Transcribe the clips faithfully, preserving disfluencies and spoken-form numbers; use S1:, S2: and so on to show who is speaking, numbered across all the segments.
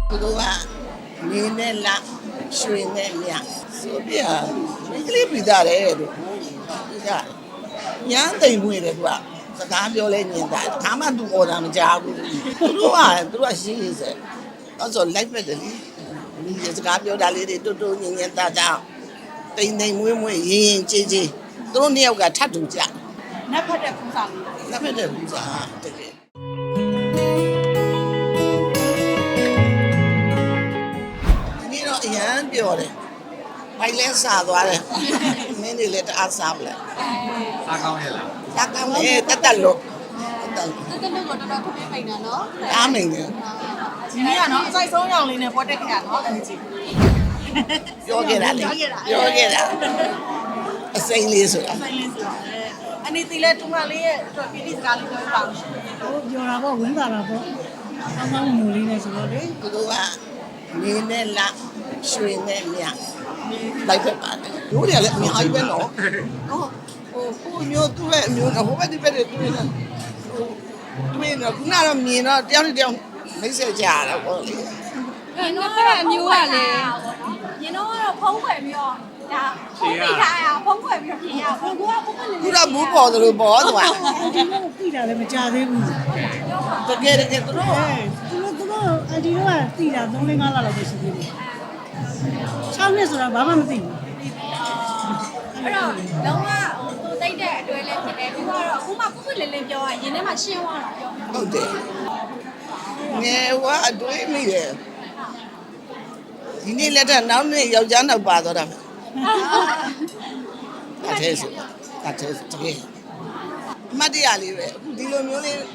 S1: သူတို့ကနေနဲ့လရွှေနဲ့မြဆိုပြမိကလေးပြီးသားတယ်တို့ပြီးသားညမ်းသိမ်မွေတယ်သူကစကားပြောလဲညင်တာဒါမှသူအော်တာမကြားဘူးသူတို့ကသူတို့ကရှင်းရေးစဲအဲ့ဆို live ပဲတယ်ဒီစကားပြောတာလေးတွေတူတူညင်ညင်တာတာတိမ်တိမ်မွေးမွေးရင်းရင်ကြေးကြေးသူတို့နှစ်ယောက်ကထပ်တူကြ
S2: နတ်ဖတ်တဲ့ပူစာလေး
S1: နတ်ဖတ်တဲ့ပူစာတကယ်ဒီတော့အရန်ပြောတယ်မိုင်လဲစားသွားတယ်မင်းတွေလည်းတအားစားပလဲ
S3: စားကောင်းရဲ့လား
S1: စားကောင်းလေတက်တက်လို့
S2: တက်တက်လို့တော့တော်တော်ခင်းမိန်တာနော်
S1: အားမိန်တယ်
S2: ဒီနေ့ကနော်အစိုက်ဆုံးရောင်လေးနဲ့ပွဲတက်ခဲ့ရနော်အန်ဂျီ
S1: ပြောခဲ့တာလေပြောခဲ့တာအစိမ်းလေးဆိုတာ
S2: အစိမ်းလေးဆိုတာအနေတီလဲတူမလေးရဲ့အတွက်ပြည်တိစကားလေးပြောပြပါဦးရှင်
S4: ဟုတ်ပြောတာပေါ့ဝင်းတာတာပေါ့ကောင်းကောင်းမူလေးနဲ့ဆိုတော့လေ
S1: သူတို့ကနေနဲ့လရွှေနဲ့မြလိုက်ဖက်ပါတယ်တို့တွေကလည်းအများကြီးပဲနော်ဟုတ်ဟိုကိုမျိုးသူ့ရဲ့အမျိုးဟိုဘက်ဒီဘက်တွေတွေ့နေတွေ့နေခုနကတော့မြင်တော့တယောက်နဲ့တယောက်မိတ်ဆက်ကြရတာပေါ့လေ
S5: ရင်တော့အမျိုးကလည်းရင်တော့ကတော့ဖုံးခွယ်ပြီးတော့ဒါဖုံးမိထားရဖုံးခွယ်ပြီးတော့ပြင်ရဘုကူကဘုကူလည်း
S1: ခုတော့ဘူးပေါ်သလိုပေါ်သွား
S4: ဒီလိုသိတာလည်းမကြသေးဘူး
S1: တကယ်တကယ်သူတို့
S4: သူတို့သူတို့အဒီတော့သိတာသုံးလငါးလလောက်ပဲရှိသေးတယ်၆နှစ်ဆိုတာဘာမှမသိဘူး
S5: အဲ့တော့လုံးဝဟိုသူတိတ်တဲ့အတွဲလည်းဖြစ်တယ်ပြီးတော့အခုမှပုပ်ပုလေးလေးပြောရရင်ထဲမှာရှင်းသွားတာပြော
S1: ဟုတ်တယ်ငယ်ဝအတွေးမိတယ်ဒီနေ့လက်ထက်နောက်နေ့ယောက်ျားနောက်ပါသွားတာအထဲဆိုအထဲတကယ်အမတ်တရားလေးပဲအခုဒီလိုမျိုးလေး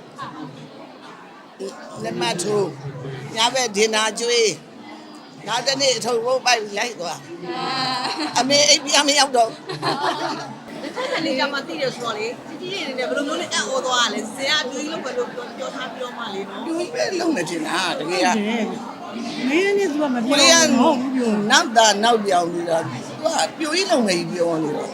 S1: လက်မထိုးညဘက်ဒင်နာကျွေးနောက်တနေ့အထုပ်ဘုတ်ပိုက်လိုက်သွားအမေအိပ်ပြမရောက်တော့
S2: ဒီခက်လေးကြမှာသိတယ်ဆိုတော့လေတီတီလေးနေဘယ်လိုမျိုးလဲအံ့ဩသွားရလဲဇင်ကအပြိုးကြီးလို့ပဲလို့ပြောပြောထားပြီးတော့မှလေနော်
S1: သူပဲလုံးနေတင်တာတကယ်က
S4: မင်းနဲ့သူကမပြောဘူးဟုတ်ဘူးပြော
S1: နောက်တာနောက်ပြောင်းနေတာသူကပြိုကြီးလုံးနေပြောနေတော့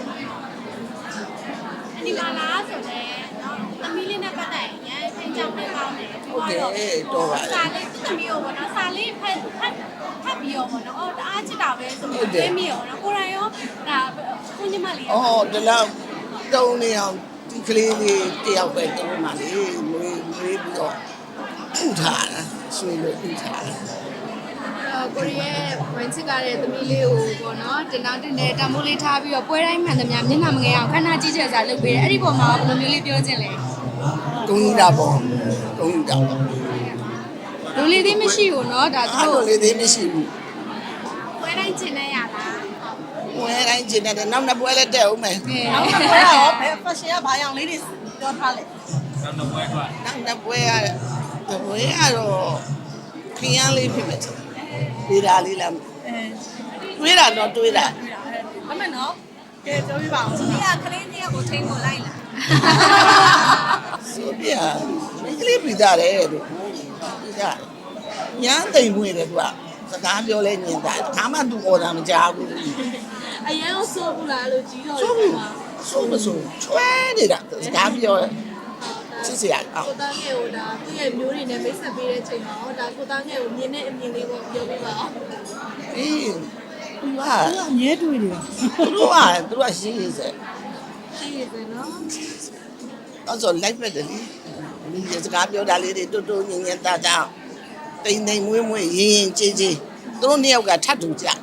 S5: ဒီမှာလားဆိုတော့သမီးလေးနဲ့ပတ်သက်ရင်ဆင်းကြောင်းလေးကောင်းတယ်ပြီးတော့စာလေးသမီးရောပေါ့နော်စာလေးဖတ်ဖတ်ဖတ်ပြီးရောပေါ့နော်အော်တအားချစ်တာပဲဆိုပြီးသိမိရောနော်ကိုရိုင်းရောဒါကိုညီမလေး
S1: အော်ဒီလောက်တုံးနေအောင်ဒီကလေးလေးတယောက်ပဲတုံးမှလေမွေးမွေးပြီးတော့ဥထားတာဆွေလို့ဥထားတာ
S5: ကိုရီးယားဝင်းချစ်ကားတဲ့သမီးလေးကိုပေါ့နော်တင်တောင်းတင်တဲ့တံမိုးလေးထားပြီးတော့ပွဲတိုင်းမှန်သမျှမျက်နှာမငယ်အောင်ခဏကြည့်ချက်စားလုပ်ပေးတယ်အဲ့ဒီပုံမှာဘယ်လိုမျိုးလေးပြောချင်လဲ
S1: တုံးတာပေါ့တုံးတာပေါ့
S5: လူလေးသေးမရှိဘူးเนาะဒါသူ
S1: တို့လူလေးသေးမရှိဘူး
S5: ပွဲတိုင်းကျင်နေရလား
S1: ပွဲတိုင်းကျင်နေတယ်နောက်နှစ်ပွဲလည်းတက်အောင်မယ်
S2: နောက်နှစ်ပွဲရောဘယ် fashion ကဘာရောင်လေးတွေပြောထားလဲ
S3: နောက်နှစ်ပွဲက
S1: နောက်နှစ်ပွဲကပွဲကတော့ခရမ်းလေးဖြစ်မယ်တွေးတာလေးလားတွေးတာတော့တွေးတာ
S2: အမေနော်ကဲပြောပြပါအောင်
S5: ဒီကကလေးတယောက်ကိုထိန်းကိုလိုက်လာ
S1: ဆိုပြမိကလေးပြီးသားတယ်တို့ပြီးသားညမ်းသိမ်မွေတယ်သူကစကားပြောလဲညင်တာဒါမှသူအော်တာမကြားဘူး
S5: အရန်ဆိုးဘူးလားလို့ကြီးတော့
S1: ဆိုးဘူးဆိုးမဆိုးချွဲနေတာစကားပြောစစ်စရာအော်
S5: ကိုသားငယ်ကိုဒါသူ့ရဲ့မျိုးတွေနဲ့မိတ်ဆက်ပေးတဲ့ချိန်မှာဟောဒါကိုသားငယ်ကိုမြင်တဲ့အမြင်လေးကိုပြောပြပါအောင်
S1: အေးသူက
S4: သူကအမြဲတွေ့နေတာ
S1: သူတို့ကသူတို့ကရှင်းရေးစဲ
S5: ရှင်းရေးစဲနော်
S1: အဲ့ဆို live ပဲတယ်လေဒီစကားပြောတာလေးတွေတူတူညင်ညင်တာတာတိမ်တိမ်မွေးမွေးရင်းရင်ကြေးကြေးသူတို့နှစ်ယောက်ကထပ်တူကြ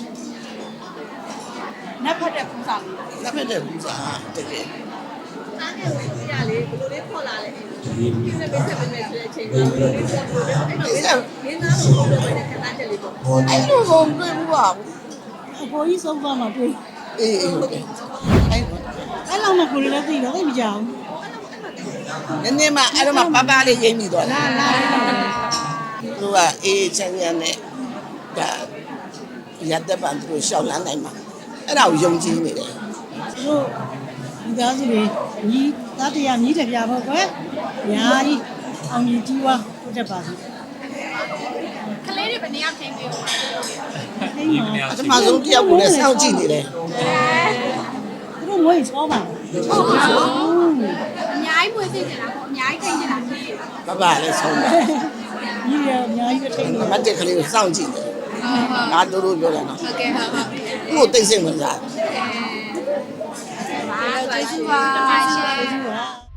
S2: နတ်ဖတ်တဲ့ပူစာလေး
S1: နတ်ဖတ်တဲ့ပူစာတကယ်
S2: အားငယ်ကိုဆိုပြရလေဘယ်လိုလေးခေါ်လာလဲဒီစက်ပဲစက်ပဲနဲ့ဆိုတဲ့အချိန်မှာဘယ်လိုလေးခေါ်လို့လဲအဲ့တော့မင်းသားကိုပြောတဲ့ခဏချက်လေးပေါ့
S1: အဲ့လိုကိုတွေ့ဘူးပါ
S4: အပေါ်ကြီးဆုံးသွားမှတွေ့
S1: အေးအေးဟုတ်တယ်
S4: အဲ့အဲ့လောက်မှကိုယ်လည်းသိတော့သိမကြဘူး
S1: နည်းနည်းမှအဲ့တော့မှပပလေးရိမ့်မိသွားလားလားသူကအေးချမ်းချမ်းနဲ့ဒါရတဲ့ပန်သူရှောက်လန်းနိုင်မှာအဲ့ဒါကိုယုံကြည်နေတယ်
S4: သူတို့ဒီသားစုတွေညီသားတရားညီတပြားပေါ့ကွယ်ညာကြီးအောင်ကြီးကြီးဝါဟုတ်တယ်ပါစီ
S5: ကလေးတွေဘယ်နေရာထိန်းပေးဦး
S4: ထိန်းပါ
S1: အထမဆုံးတယောက်ကိုလည်းစောင့်ကြည့်နေတယ်
S4: သူတို့ငွေချောပါ
S5: ဟုတ်ပါဘူးအများကြီးမွေးသိနေတာပေါ့အများကြီးထိန်းနေတာကြီး
S1: ပပလည်းဆုံးပါ
S4: ညီရအများကြီးပဲထိန်းနေ
S1: မတ်တက်ကလေးကိုစောင့်ကြည့်တယ်
S2: ဟုတ်ဟုတ်
S1: ငါတို့တို့ပြောတယ်နော်
S2: ဟုတ်ကဲ့ဟုတ်ဟုတ်
S1: ကိုသိစိတ်ဝင်စား
S2: အဲကျေးဇူးပါကျေးဇူးပါ
S4: ကျေးဇူးပါ